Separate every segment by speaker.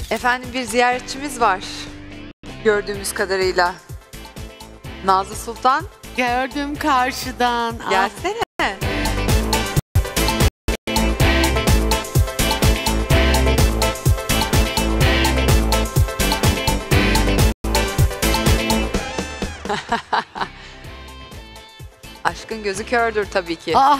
Speaker 1: Efendim bir ziyaretçimiz var. Gördüğümüz kadarıyla. Nazlı Sultan,
Speaker 2: Gördüm karşıdan.
Speaker 1: gelsene. Aşkın gözü kördür tabii ki.
Speaker 2: Ah,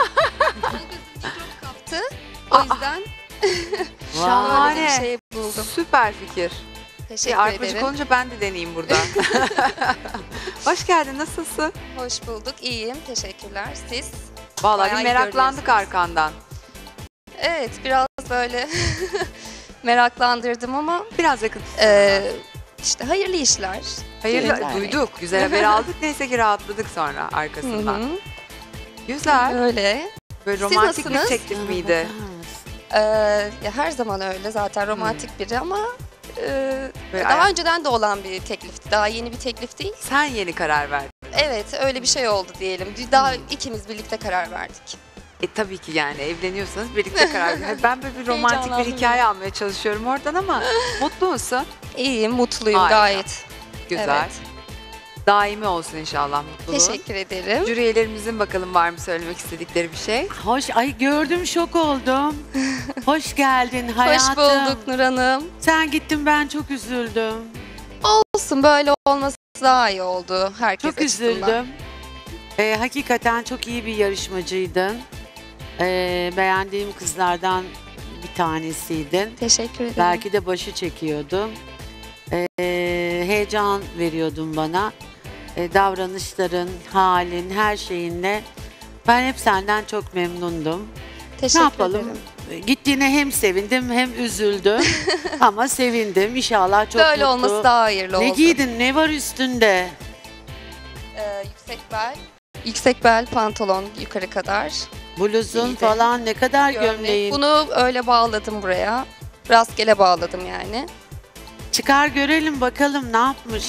Speaker 3: Kaptı. O yüzden
Speaker 1: Şahane.
Speaker 3: böyle bir şey buldum.
Speaker 1: Süper fikir.
Speaker 3: Teşekkür
Speaker 1: Arpacık
Speaker 3: ederim.
Speaker 1: olunca ben de deneyeyim burada. Hoş geldin, nasılsın?
Speaker 3: Hoş bulduk. İyiyim. Teşekkürler. Siz?
Speaker 1: Vallahi
Speaker 3: Bayağı
Speaker 1: bir
Speaker 3: iyi
Speaker 1: meraklandık
Speaker 3: görünüyorsunuz.
Speaker 1: arkandan.
Speaker 3: Evet. Biraz böyle meraklandırdım ama
Speaker 1: Biraz yakın.
Speaker 3: işte hayırlı işler.
Speaker 1: Hayırlı,
Speaker 3: Evet.
Speaker 1: duyduk. Güzel haber aldık. Neyse ki rahatladık sonra arkasından.
Speaker 3: Hı hı.
Speaker 1: Güzel.
Speaker 3: Öyle.
Speaker 1: Böyle
Speaker 3: Siz
Speaker 1: romantik bir
Speaker 3: nasılsınız?
Speaker 1: teklif miydi?
Speaker 3: Ya her zaman öyle. Zaten romantik biri ama
Speaker 1: Böyle
Speaker 3: daha önceden de olan bir teklifti. Daha yeni bir teklif değil.
Speaker 1: Sen yeni karar verdin.
Speaker 3: Evet. Öyle bir şey oldu diyelim. Daha ikimiz birlikte karar verdik.
Speaker 1: Tabii ki yani evleniyorsanız birlikte karar verin. Ben böyle bir romantik bir
Speaker 3: Heyecanlandım
Speaker 1: hikaye almaya çalışıyorum oradan ama mutlu musun?
Speaker 3: İyiyim. Mutluyum
Speaker 1: Harika.
Speaker 3: gayet.
Speaker 1: Güzel.
Speaker 3: Evet.
Speaker 1: Daimi olsun inşallah mutluluğun.
Speaker 3: Teşekkür ederim.
Speaker 1: Jüri üyelerimizin bakalım var mı söylemek istedikleri bir şey?
Speaker 2: hoş. Ay gördüm, şok oldum. Hoş geldin hayatım.
Speaker 3: Hoş bulduk Nur Hanım.
Speaker 2: Sen gittin, ben çok üzüldüm.
Speaker 3: Olsun, böyle olması daha iyi oldu herkes
Speaker 2: Çok
Speaker 3: açısından.
Speaker 2: üzüldüm. Hakikaten çok iyi bir yarışmacıydın. Beğendiğim kızlardan bir tanesiydin.
Speaker 3: Teşekkür ederim.
Speaker 2: Belki de başı çekiyordum. Heyecan veriyordun bana. Davranışların, halin, her şeyinle. Ben hep senden çok memnundum.
Speaker 3: Teşekkür
Speaker 2: Ne yapalım?
Speaker 3: ederim.
Speaker 2: Gittiğine hem sevindim hem üzüldüm. Ama sevindim. İnşallah çok
Speaker 3: Böyle
Speaker 2: mutlu.
Speaker 3: olması daha hayırlı
Speaker 2: Ne
Speaker 3: oldu.
Speaker 2: giydin? Ne var üstünde?
Speaker 3: Yüksek bel. Yüksek bel pantolon yukarı kadar.
Speaker 2: Bluzun
Speaker 3: İyiydi.
Speaker 2: falan, ne kadar
Speaker 3: Gömlek.
Speaker 2: gömleğin.
Speaker 3: Bunu öyle bağladım buraya. Rastgele bağladım yani.
Speaker 2: Çıkar görelim bakalım ne yapmış.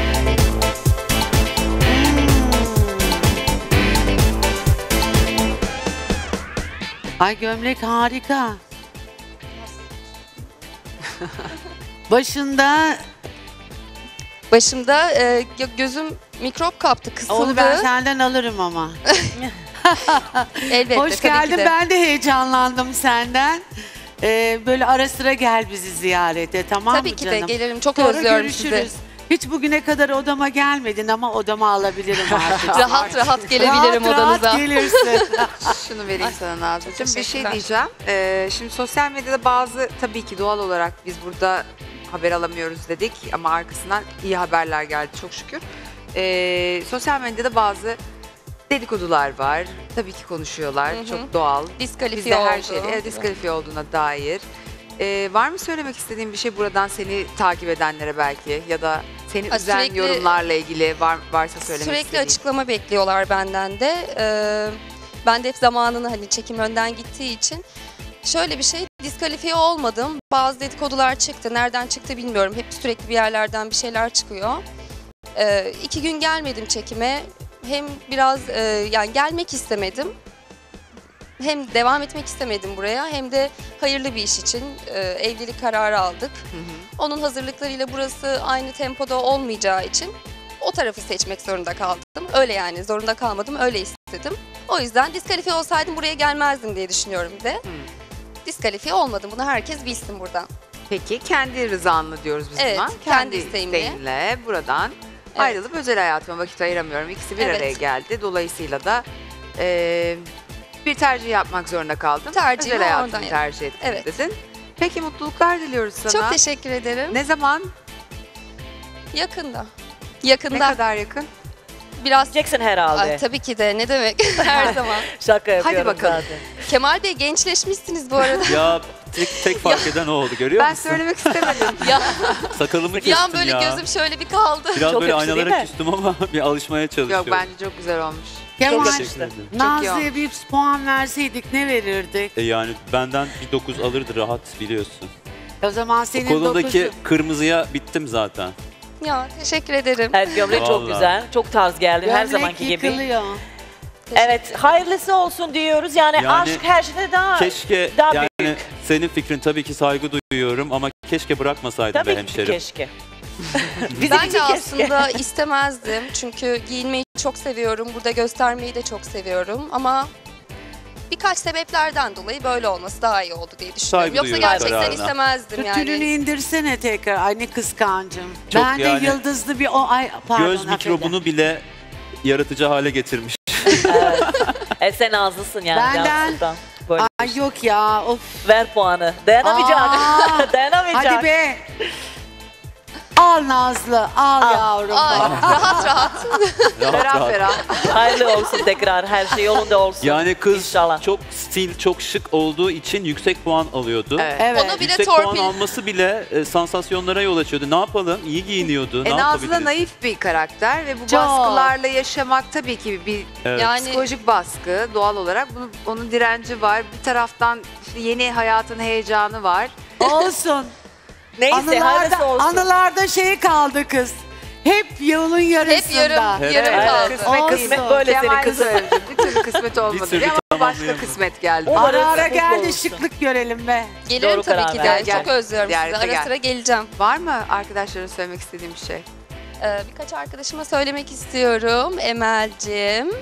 Speaker 2: Ay gömlek harika. Başında
Speaker 3: Başımda gözüm mikrop kaptı, kısıldı.
Speaker 2: onu ben senden alırım ama.
Speaker 3: Elbette,
Speaker 2: Hoş
Speaker 3: tabii
Speaker 2: geldin,
Speaker 3: ki de.
Speaker 2: ben de heyecanlandım senden. Böyle ara sıra gel bizi ziyarete, tamam
Speaker 3: Tabii
Speaker 2: mı
Speaker 3: ki
Speaker 2: canım?
Speaker 3: de gelirim. Çok
Speaker 2: Sonra
Speaker 3: özlüyorum
Speaker 2: görüşürüz.
Speaker 3: sizi.
Speaker 2: Hiç bugüne kadar odama gelmedin ama odama alabilirim artık.
Speaker 3: Rahat rahat gelebilirim
Speaker 2: rahat,
Speaker 3: odanıza.
Speaker 2: Rahat gelirsin.
Speaker 1: Şunu vereyim sana Nazlı'cığım. Bir şey
Speaker 3: teşekkürler.
Speaker 1: diyeceğim. Şimdi sosyal medyada bazı tabii ki doğal olarak biz burada haber alamıyoruz dedik ama arkasından iyi haberler geldi çok şükür. Sosyal medyada bazı dedikodular var. Tabii ki konuşuyorlar.
Speaker 3: Hı hı.
Speaker 1: Çok doğal.
Speaker 3: Diskalifiye
Speaker 1: Bizde her
Speaker 3: oldu.
Speaker 1: şeyde diskalifiye olduğuna dair. Var mı söylemek istediğin bir şey buradan seni takip edenlere belki ya da seni
Speaker 3: Ha,
Speaker 1: üzen
Speaker 3: sürekli-
Speaker 1: yorumlarla ilgili varsa söylemek
Speaker 3: Sürekli
Speaker 1: istediğin.
Speaker 3: açıklama bekliyorlar benden de. Ben de hep zamanını hani çekim önden gittiği için. Şöyle bir şey, diskalifiye olmadım. Bazı dedikodular çıktı. Nereden çıktı bilmiyorum. Hep sürekli bir yerlerden bir şeyler çıkıyor. 2 gün gelmedim çekime. Hem biraz yani gelmek istemedim. Hem devam etmek istemedim buraya. Hem de hayırlı bir iş için evlilik kararı aldık.
Speaker 1: Hı hı.
Speaker 3: Onun hazırlıklarıyla burası aynı tempoda olmayacağı için o tarafı seçmek zorunda kaldım. Öyle yani, zorunda kalmadım, öyle istedim. O yüzden diskalifiye olsaydım buraya gelmezdim diye düşünüyorum bir de. Diskalifiye olmadım, bunu herkes bilsin buradan.
Speaker 1: Peki kendi rızanla diyoruz biz
Speaker 3: Evet,
Speaker 1: buna.
Speaker 3: kendi isteğimle.
Speaker 1: isteğinle buradan
Speaker 3: Evet.
Speaker 1: ayrılıp özel hayatıma vakit ayıramıyorum. İkisi bir
Speaker 3: Evet.
Speaker 1: araya geldi. Dolayısıyla da bir tercih yapmak zorunda kaldım.
Speaker 3: Tercihimi
Speaker 1: özel hayatımı
Speaker 3: oradan
Speaker 1: tercih ettim
Speaker 3: Evet.
Speaker 1: dedin. Peki mutluluklar diliyoruz sana.
Speaker 3: Çok teşekkür ederim.
Speaker 1: Ne zaman?
Speaker 3: Yakında.
Speaker 1: Ne
Speaker 3: Yakında
Speaker 1: kadar yakın?
Speaker 3: biraz...
Speaker 4: Jackson herhalde.
Speaker 3: Ay, tabii ki de, ne demek, her zaman.
Speaker 4: Şaka yapıyorum
Speaker 1: bakalım.
Speaker 4: zaten.
Speaker 3: Kemal Bey, gençleşmişsiniz bu arada.
Speaker 5: Ya tek fark eden o oldu, görüyor
Speaker 1: Ben
Speaker 5: musun?
Speaker 1: söylemek istemedim.
Speaker 3: Ya,
Speaker 5: Sakalımı
Speaker 3: bir
Speaker 5: kestim
Speaker 3: an böyle
Speaker 5: ya.
Speaker 3: gözüm şöyle bir kaldı.
Speaker 5: Biraz
Speaker 4: Çok
Speaker 5: böyle
Speaker 4: yakıştı, değil
Speaker 5: aynalara
Speaker 4: mi?
Speaker 5: küstüm ama bir alışmaya çalışıyorum.
Speaker 1: Yok bence çok güzel olmuş.
Speaker 2: Kemal,
Speaker 5: Teşekkür ederim.
Speaker 2: Nazlı'ya bir puan verseydik ne verirdik?
Speaker 5: Yani benden bir 9 alırdı rahat, biliyorsun.
Speaker 2: O zaman
Speaker 5: O
Speaker 2: senin
Speaker 5: kolundaki
Speaker 2: 9'u.
Speaker 5: kırmızıya bittim zaten.
Speaker 3: Ya, teşekkür ederim.
Speaker 4: Evet, gömlek çok
Speaker 5: Vallahi.
Speaker 4: güzel. Çok tarz geldi her
Speaker 2: Gömlek
Speaker 4: zamanki gibi.
Speaker 2: yıkılıyor.
Speaker 4: Evet, hayırlısı olsun diyoruz. Yani
Speaker 5: Yani
Speaker 4: aşk her şeyde daha
Speaker 5: Keşke
Speaker 4: daha
Speaker 5: yani
Speaker 4: büyük.
Speaker 5: senin fikrin tabii ki saygı duyuyorum ama keşke bırakmasaydın be
Speaker 4: Tabii ki
Speaker 5: hemşerim.
Speaker 4: keşke. Bizim
Speaker 3: Ben
Speaker 4: için
Speaker 3: de
Speaker 4: keşke.
Speaker 3: aslında istemezdim. Çünkü giyinmeyi çok seviyorum. Burada göstermeyi de çok seviyorum. Ama birkaç sebeplerden dolayı böyle olması daha iyi oldu diye düşünüyorum.
Speaker 5: Saygı
Speaker 3: Yoksa
Speaker 5: duyuyorum
Speaker 3: gerçekten
Speaker 5: kararına.
Speaker 3: istemezdim
Speaker 2: Tütününü
Speaker 3: yani.
Speaker 2: indirsene tekrar. Ay ne kıskancım.
Speaker 5: Çok
Speaker 2: Ben de
Speaker 5: yani-
Speaker 2: yıldızlı bir pardon.
Speaker 5: Göz mikrobunu bile yaratıcı hale getirmiş.
Speaker 4: Sen ağzlısın yani.
Speaker 2: Benden-
Speaker 4: Cansu'dan. Böyle.
Speaker 2: Ay yok ya. Of.
Speaker 4: Ver puanı. Dayanamayacak.
Speaker 2: Aa,
Speaker 4: Dayanamayacak.
Speaker 2: hadi be. Al Nazlı. Al yavrum.
Speaker 3: Ay, rahat rahat.
Speaker 1: Ferah ferah.
Speaker 4: Hayırlı olsun tekrar. Her şey yolunda olsun.
Speaker 5: Yani kız
Speaker 4: İnşallah.
Speaker 5: çok stil, çok şık olduğu için yüksek puan alıyordu.
Speaker 1: Evet.
Speaker 2: Evet.
Speaker 3: Onu bile
Speaker 5: Yüksek puan
Speaker 3: torpil.
Speaker 5: alması bile sansasyonlara yol açıyordu. Ne yapalım? İyi giyiniyordu. Ne
Speaker 1: Nazlı da
Speaker 5: yapabiliriz?
Speaker 1: naif bir karakter ve bu
Speaker 2: Çok.
Speaker 1: baskılarla yaşamak tabii ki bir
Speaker 5: Evet.
Speaker 3: Yani
Speaker 1: psikolojik baskı doğal olarak. Onun direnci var. Bir taraftan işte yeni hayatın heyecanı var.
Speaker 2: Olsun.
Speaker 4: Neyse hayırlısı olsun.
Speaker 2: Anılarda şey kaldı kız. Hep yolun yarısında.
Speaker 3: hep yarım
Speaker 5: Evet.
Speaker 3: yarım
Speaker 4: Evet,
Speaker 3: kaldı.
Speaker 4: kısmet
Speaker 2: Olsun.
Speaker 4: kısmet böyle senin
Speaker 1: Kemal
Speaker 4: kızın.
Speaker 1: söyledi. Bir türlü kısmet olmadı
Speaker 5: türlü
Speaker 1: diye ama başka
Speaker 5: tamamlayamadım.
Speaker 1: kısmet geldi.
Speaker 4: O-
Speaker 2: Ara ara
Speaker 4: Mutlu
Speaker 2: gel de
Speaker 4: olsun.
Speaker 2: şıklık görelim be.
Speaker 3: Gelirim
Speaker 4: Doğru
Speaker 3: tabii
Speaker 4: karar
Speaker 3: ki
Speaker 4: ver.
Speaker 3: de.
Speaker 1: Gel.
Speaker 3: Çok özlüyorum sizi.
Speaker 1: Ziyarete
Speaker 3: Ara
Speaker 1: gel.
Speaker 3: sıra geleceğim.
Speaker 1: Var mı arkadaşların söylemek istediğim bir şey?
Speaker 3: Birkaç arkadaşıma söylemek istiyorum. Emel'cim.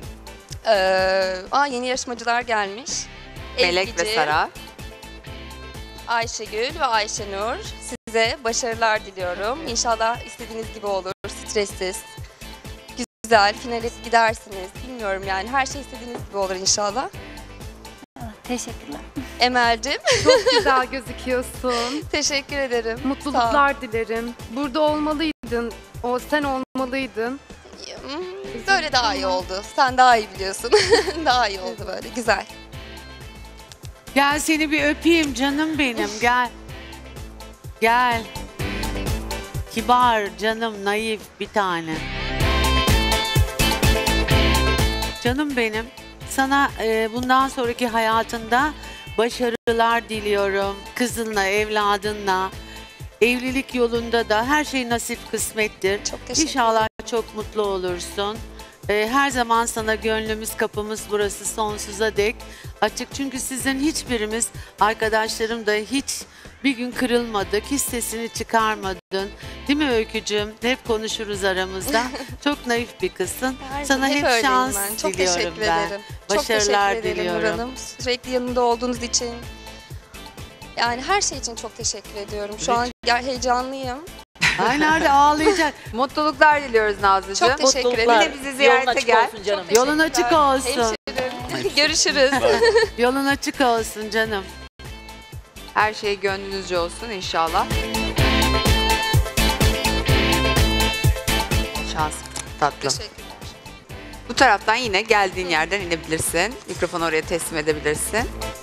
Speaker 3: Yeni yarışmacılar gelmiş.
Speaker 1: Melek ve
Speaker 3: Ezgi'cim,
Speaker 1: Sara.
Speaker 3: Ayşegül ve Ayşenur. Size başarılar diliyorum. İnşallah istediğiniz gibi olur. Stressiz. Güzel. Finale gidersiniz. Bilmiyorum yani. Her şey istediğiniz gibi olur inşallah.
Speaker 6: Teşekkürler.
Speaker 3: Emel'cim.
Speaker 6: Güzel gözüküyorsun.
Speaker 3: Teşekkür ederim.
Speaker 6: Mutluluklar dilerim. Burada olmalıydın. Sen olmalıydın.
Speaker 3: Böyle daha iyi oldu. Sen daha iyi biliyorsun. Daha iyi oldu böyle. Güzel.
Speaker 2: Gel seni bir öpeyim canım benim. Gel. Gel. Kibar, canım, naif bir tane. Canım benim. Sana bundan sonraki hayatında başarılar diliyorum. Kızınla, evladınla. Evlilik yolunda da her şey nasip kısmettir.
Speaker 3: Çok teşekkür
Speaker 2: İnşallah çok mutlu olursun. Her zaman sana gönlümüz, kapımız burası sonsuza dek açık. Çünkü sizin hiçbirimiz, arkadaşlarım da hiç bir gün kırılmadık, hiç sesini çıkarmadın. Değil mi Öykücüğüm? Hep konuşuruz aramızda. Çok naif bir kızsın.
Speaker 3: Her
Speaker 2: Sana
Speaker 3: zaman
Speaker 2: hep
Speaker 3: öyleyim
Speaker 2: şans
Speaker 3: ben. Çok
Speaker 2: diliyorum
Speaker 3: teşekkür
Speaker 2: ben.
Speaker 3: ederim.
Speaker 2: Başarılar
Speaker 3: çok teşekkür ederim Nur
Speaker 2: diliyorum.
Speaker 3: Hanım. Sürekli yanımda olduğunuz için. Yani her şey için çok teşekkür ediyorum. Şu an heyecanlıyım.
Speaker 2: Ay nerede ağlayacak.
Speaker 1: Mutluluklar diliyoruz Nazlıcığım.
Speaker 3: Çok teşekkür ederim.
Speaker 1: Yine bizi ziyarete
Speaker 4: Yolun açık
Speaker 1: gel.
Speaker 4: olsun canım.
Speaker 3: Çok
Speaker 2: Yolun açık
Speaker 3: teşekkürler.
Speaker 2: olsun.
Speaker 3: Hemşerim. Görüşürüz.
Speaker 2: Yolun açık olsun canım.
Speaker 1: Her şey gönlünüzce olsun inşallah. Şans tatlım.
Speaker 3: Teşekkürler.
Speaker 1: Bu taraftan yine geldiğin yerden inebilirsin. Mikrofonu oraya teslim edebilirsin.